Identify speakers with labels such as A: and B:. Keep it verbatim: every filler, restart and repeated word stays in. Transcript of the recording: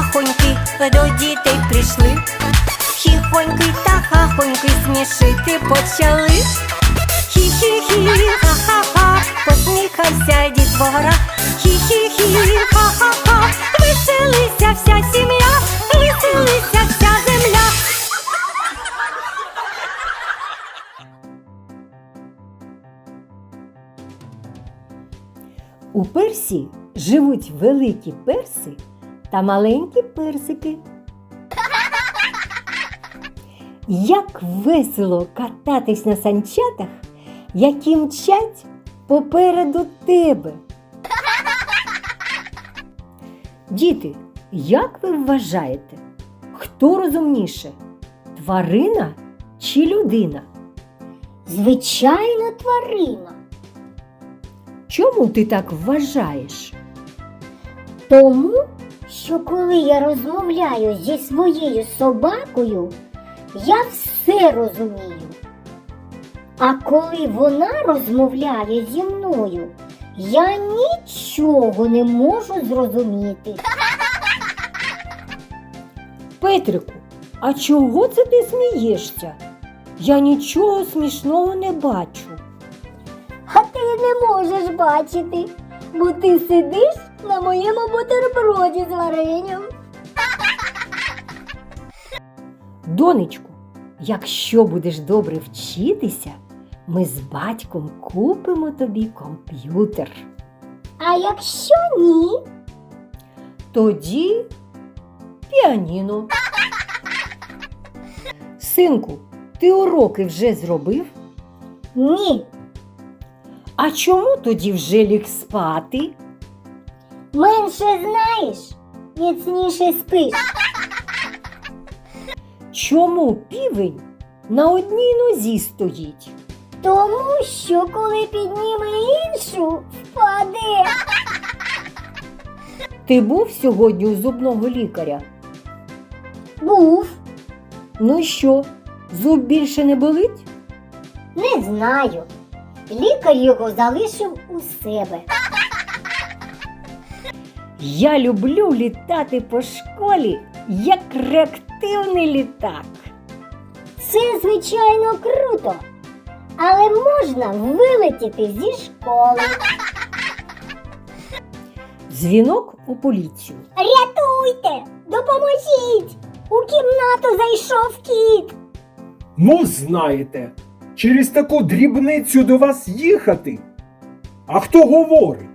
A: хахоньки до дітей прийшли. Хіхоньки та хахоньки смішити почали. Хі-хі-хі, ха-ха-ха, посміхався дітвора. Хі-хі-хі, ха-ха-ха, веселися вся сім'я, веселися вся земля.
B: У персі живуть великі перси та маленькі персики. Як весело кататись на санчатах, які мчать попереду тебе. Діти, як ви вважаєте, хто розумніше, тварина чи людина?
C: Звичайно, тварина.
B: Чому ти так вважаєш?
C: Тому, що коли я розмовляю зі своєю собакою, я все розумію. А коли вона розмовляє зі мною, я нічого не можу зрозуміти.
B: Петрику, а чого це ти смієшся? Я нічого смішного не бачу.
C: А ти не можеш бачити, бо ти сидиш на моєму бутерброді з варенням.
B: Донечку, якщо будеш добре вчитися, ми з батьком купимо тобі комп'ютер.
C: А якщо ні?
B: Тоді піаніно. Синку, ти уроки вже зробив?
C: Ні.
B: А чому тоді вже ліг спати?
C: Менше знаєш, міцніше спиш.
B: Чому півень на одній нозі стоїть?
C: Тому що коли підніме іншу, впаде.
B: Ти був сьогодні у зубного лікаря?
C: Був.
B: Ну і що, зуб більше не болить?
C: Не знаю. Лікар його залишив у себе.
B: Я люблю літати по школі, як реактивний літак.
C: Це, звичайно, круто. Але можна вилетіти зі школи.
B: Дзвінок у поліцію.
C: Рятуйте! Допоможіть! У кімнату зайшов кіт.
D: Ну, знаєте, через таку дрібницю до вас їхати. А хто говорить?